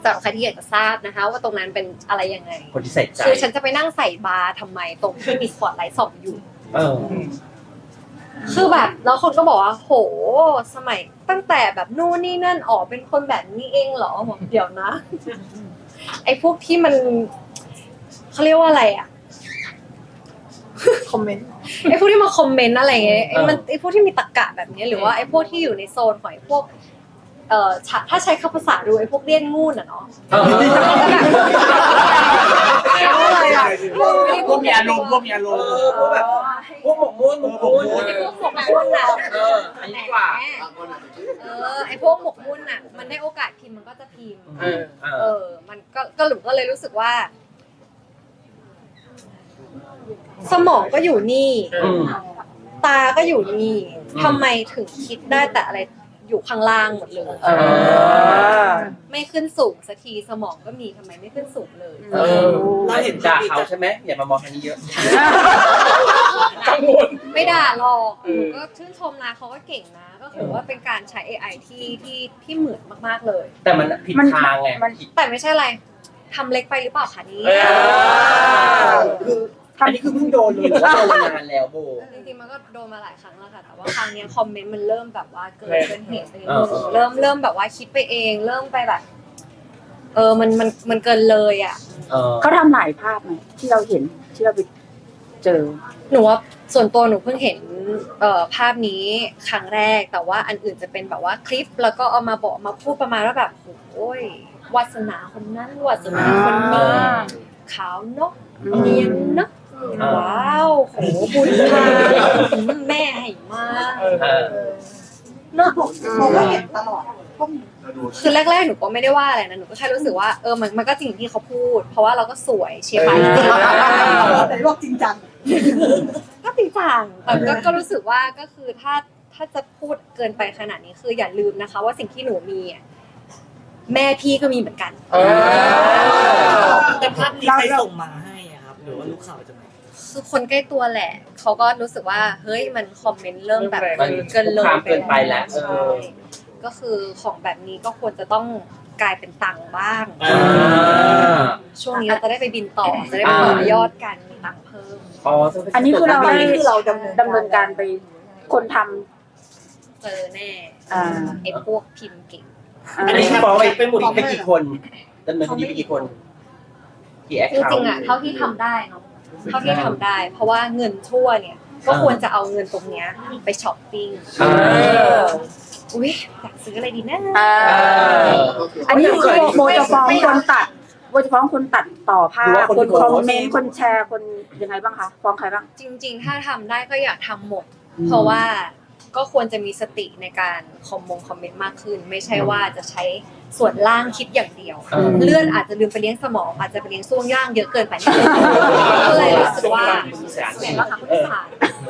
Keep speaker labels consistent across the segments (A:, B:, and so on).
A: สำหรับใครที่อยากจะทราบนะคะว่าตรงนั้นเป็นอะไรยังไง
B: คนที่ใส่ใจ
A: คือฉันจะไปนั่งใส่บาร์ทำไมตรงที่มีสปอตไลท์ส่องอยู่คือแบบแล้วคนก็บอกว่าโหสมัยตั้งแต่แบบนู่นนี่นั่นออกเป็นคนแบบนี้เองเหรอบอกเดี๋ยวนะไอ้พวกที่มันเขาเรียกว่าอะไรอะ
C: คอมเมนต์
A: ไอ้พวกที่มาคอมเมนต์อะไรเงี้ยไอ้พวกที่มีตรรกะแบบนี้หรือว่าไอ้พวกที่อยู่ในโซนของไอ้พวกถ้าใช้คำภาษาดูไอ้พวกเลี้ยนงูน่ะเนาะ
B: พวกมีอารมณ์พวกมีอารมณ์พวกแบบพวกหมกมุ่นพวกหมกมุ่น
A: ไอ้พวกหมกมุ่นน่ะ
B: อันนี้กว่า
A: ไอ้พวกหมกมุ่นน่ะมันได้โอกาสพิมพ์มันก็จะพิมพ์มันก็หลุมก็เลยรู้สึกว่าสมองก็อยู่นี่ตาก็อยู่นี่ทำไมถึงคิดได้แต่อะไรอยู่ข้างล่างหมดเลยไม่ขึ้นสูงสักทีสมองก็มีทำไมไม่ขึ้นสูงเลย
B: เราเห็นด่าเขาใช่ไหมอย่ามามองทางนี้เยอะกังวล
A: ไม่ด่าหรอกหนูก็ชื่นชมนะเขาก็เก่งนะก็ถือว่าเป็นการใช้ AI ที่เหมือนมากๆเลย
B: แต่มันผิดทางไง
A: แต่ไม่ใช่อะไรทำเล็กไปหรือเปล่าคะนี่
B: คืออันนี้คือเพิ่งโดนเลยว่าโดนนานแล้วโบ
A: จริงๆมันก็โดนมาหลายครั้งแล้วค่ะแต่ว่าครั้งนี้คอมเมนต์มันเริ่มแบบว่าเกินเหตุไปนิดนึงเริ่มแบบว่าคิดไปเองเริ่มไปแบบมันเกินเลยอ่ะ
C: เขาทำหลายภาพไหมที่เราเห็นที่เราไปเจอ
A: หนูว่าส่วนตัวหนูเพิ่งเห็นภาพนี้ครั้งแรกแต่ว่าอันอื่นจะเป็นแบบว่าคลิปแล้วก็เอามาบอกมาพูดประมาณว่าแบบโอ้ยวาสนาคนนั้นวาสนาคนนี้ขาวนกเนียนนกว้าวโหบุญพาแม่ให้มาเนาะ
C: เราก็เห็นตลอด
A: คือแรกๆหนูก็ไม่ได้ว่าอะไรนะหนูก็แค่รู้สึกว่ามันก็จริงที่เขาพูดเพราะว่าเราก็สวยเชียร์ไปจริง
C: แต่ว่าจริงจัง
A: ก็จริงจังแต่ก็รู้สึกว่าก็คือถ้าจะพูดเกินไปขนาดนี้คืออย่าลืมนะคะว่าสิ่งที่หนูมีแม่พี่ก็มีเหมือนกัน
D: แต่ภาพนี้ใครส่งมาให้ครับหรือว่าลูกข่าวจะมา
A: คือคนใกล้ตัวแหละเขาก็รู้สึกว่าเฮ้ยมันคอมเมนต์เริ่มแบบเกินเลย
B: ไปแล้ว
A: ก็คือของแบบนี้ก็ควรจะต้องกลายเป็นตังค์บ้างช่วงนี้เราจะได้ไปบินต่อจะได้ไปต่อยอดกันมีตังค์เพิ่ม
C: อันนี้คือเราดำเนินการไปคนท
A: ำเจอแน่ไอ้พวกพิมพ์เก่ง
B: อันนี้ฟ้องไปหมดไปกี่คนดำเนินคดีไปกี่คนกี่แอคเคาท์
A: จริงๆอ่ะเท่าที่ทำได้เนาะเท่าที่ทำได้เพราะว่าเงินชั่วเนี่ยก็ควรจะเอาเงินตรงเนี้ยไปช้อปปิ้งอุ้ยอยากซื้ออะไรดีนะ
C: อันนี้คือโมจะฟ้องคนตัดโมจะฟ้องคนตัดต่อภาพคนคอมเมนต์คนแชร์คนยังไงบ้างคะฟ้องใครบ้าง
A: จริงๆถ้าทำได้ก็อยากทำหมดเพราะว่าก็ควรจะมีสติในการคอมเมนต์มากขึ้นไม่ใช่ว่าจะใช้ส่วนล่างคิดอย่างเดียวเลื่อนอาจจะลืมไปเลี้ยงสมองอาจจะไปเลี้ยงช่วงย่างเยอะเกินไปก็เลยรู้สึกว่าเห็นว่าค่ะผู้สาน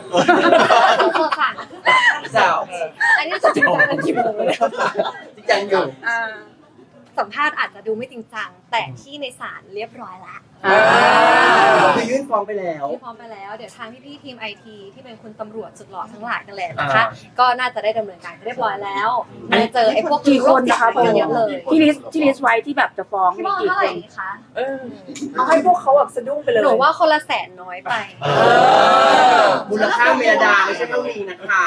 A: อันนี้จะจริงจังกันกี่โมงเลย
B: จริงจังอยู่
A: สัมภาษณ์อาจจะดูไม่จริงจังแต่ที่ในศาลเรียบร้อยละ
B: คือยื่นฟ้องไปแล้ว
A: ยื่นฟ้องไปแล้วเดี๋ยวทางพี่ทีมไอทีที่เป็นคุณตำรวจสุดหล่อทั้งหลายกันแหละนะคะก็น่าจะได้ดำเนินการเรียบร้อยแล้วมาเจอไอ้พวก
C: กี่คนนะคะเยอะเลยที่ลิสต์ไว้ที่แบบจะฟ้อง
A: มีกี่คนคะ
C: เอาให้พวกเขาแบบสะดุ้งไปเลย
A: หนูว่าคนละ100,000น้อยไป
B: มูลค่าเมียดาไม่ใช่เท่านี้นะคะ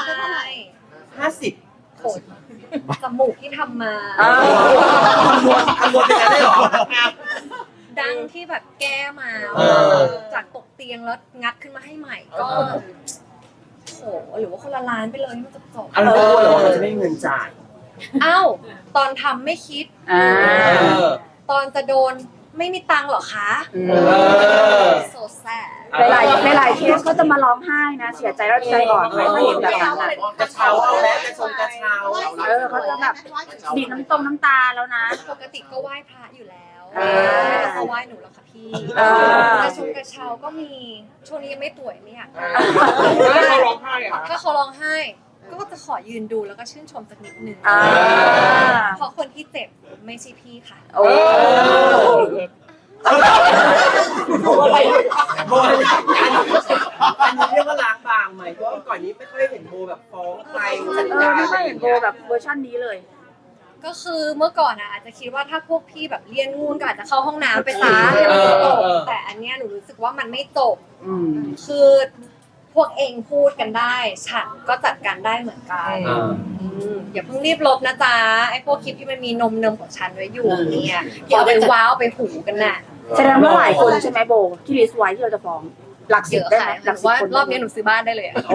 B: 50
A: คนจมูกที่ทำมา
B: คำนวณเป็นอะไรหรอ
A: ดังที่แบบแก้มาจากตกเตียงแล้วงัดขึ้นมาให้ใหม่ก็โหหรือว่าคนละล้านไปเลยมันจะจบ
B: อะไรก็รู้หรอเขาจะไม่มีเงินจ่าย
A: อ้าวตอนทำไม่คิดตอนจะโดนไม่มีตังค์หรอคะโซแซ่
C: หลายเคสเขาจะมาร้องไห้นะเสียใจแล้วใจอ่อนไม่เห็นแบบนั้น
B: กระเช้าเอาแล้วกระชงกระเช้า
C: เขาจะแบบบีบน้ำตาแล้วนะ
A: ปกติก็ไหว้พระอยู่แล้วไม่ได้เขาไหว้หนูหรอกค่ะพี่กระชงกระเช้าก็มีช่วงนี้ยังไม่ป่วยไม่อยาก
B: ถ้าเขาร้องไห้อะ
A: ถ้าเขาร้องไห้ก็จะขอยืนดูแล้วก็ชื่นชมสักนิดนึงเพราะคนที่เจ็บไม่ใช่พี่ค่ะ
B: อะไรโบอันนี้เรียกว่าล้างบางไหมเพราะก่อนนี้ไม่ค่อยเห็นโบแบบฟ้องใคร
C: ไม่เห็นโบแบบเวอร์ชันนี้เลย
A: ก็คือเมื่อก่อนอาจจะคิดว่าถ้าพวกพี่แบบเรียนงูนก็อาจจะเข้าห้องน้ำไปซะให้มันจบแต่อันเนี้ยหนูรู้สึกว่ามันไม่จบ
C: อืม
A: คือพวกเองพูดกันได้ฉันก็จัดการได้เหมือนกันอย่าเพิ่งรีบลบนะจ๊ะไอ้พวกคลิปที่มันมีนมเนมของฉันไว้อยู่เนี่ยอย่าไปว้าวไปหูกันน่ะ
C: แสดงว่าหลายคนใช่ไหมโบที่ลิสต์ไว้ที่เราจะฟ้องหลัก
A: เย
C: สิบ
A: อะ
C: ได้ไหม
A: ค่ะ
C: หลัก
A: ห
C: สิบ
A: ว่า
C: คน
A: รอบนี้หนูซื้อบ้านได้เลยอะ
C: โอ้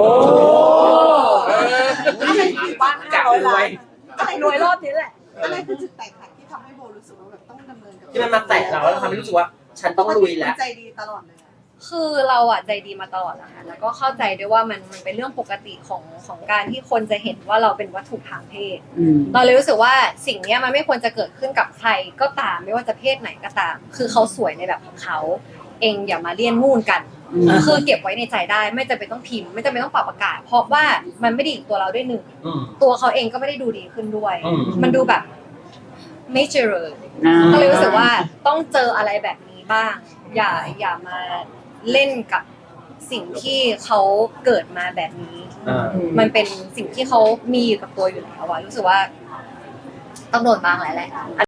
B: บ้าน500 ล้าน
A: รวยรอบนี้แหละ
E: อะไรคือจุดแตกหักที่ทำให้โบรู้สึกว่าแบบต้องดำเนินกับ
B: ที่มันมาแตะเราแล้วทำให้รู้สึกว่าฉันต้องลุยแล้ว
E: ใจดีตลอดเลยอะ
A: คือเราอ่ะใจดีมาตลอดนะคะแล้วก็เข้าใจด้วยว่ามันเป็นเรื่องปกติของการที่คนจะเห็นว่าเราเป็นวัตถุทางเพศ
C: อืม
A: เราเลยรู้สึกว่าสิ่งเนี้ยมันไม่ควรจะเกิดขึ้นกับใครก็ตามไม่ว่าจะเพศไหนก็ตาม คือเขาสวยในแบบของเขาเองอย่ามาเลี่ยนงูนกัน
C: อืม
A: คือเก็บไว้ในใจได้ไม่จำเป็นต้องพิมพ์ไม่จำเป็นต้องปรับอากาศ เพราะว่ามันไม่ดีกับตัวเราด้วยหนึ่งตัวเขาเองก็ไม่ได้ดูดีขึ้นด้วย มันดูแบบไม่เจริญ ก็เลยรู้สึกว่าต้องเจออะไรแบบนี้บ้าง อย่ามาเล่นกับสิ่งที่เขาเกิดมาแบบนี้ มันเป็นสิ่งที่เขามีอยู่กับตัวอยู่แล้วอะรู้สึกว่าต้องโดนบ้างแหละ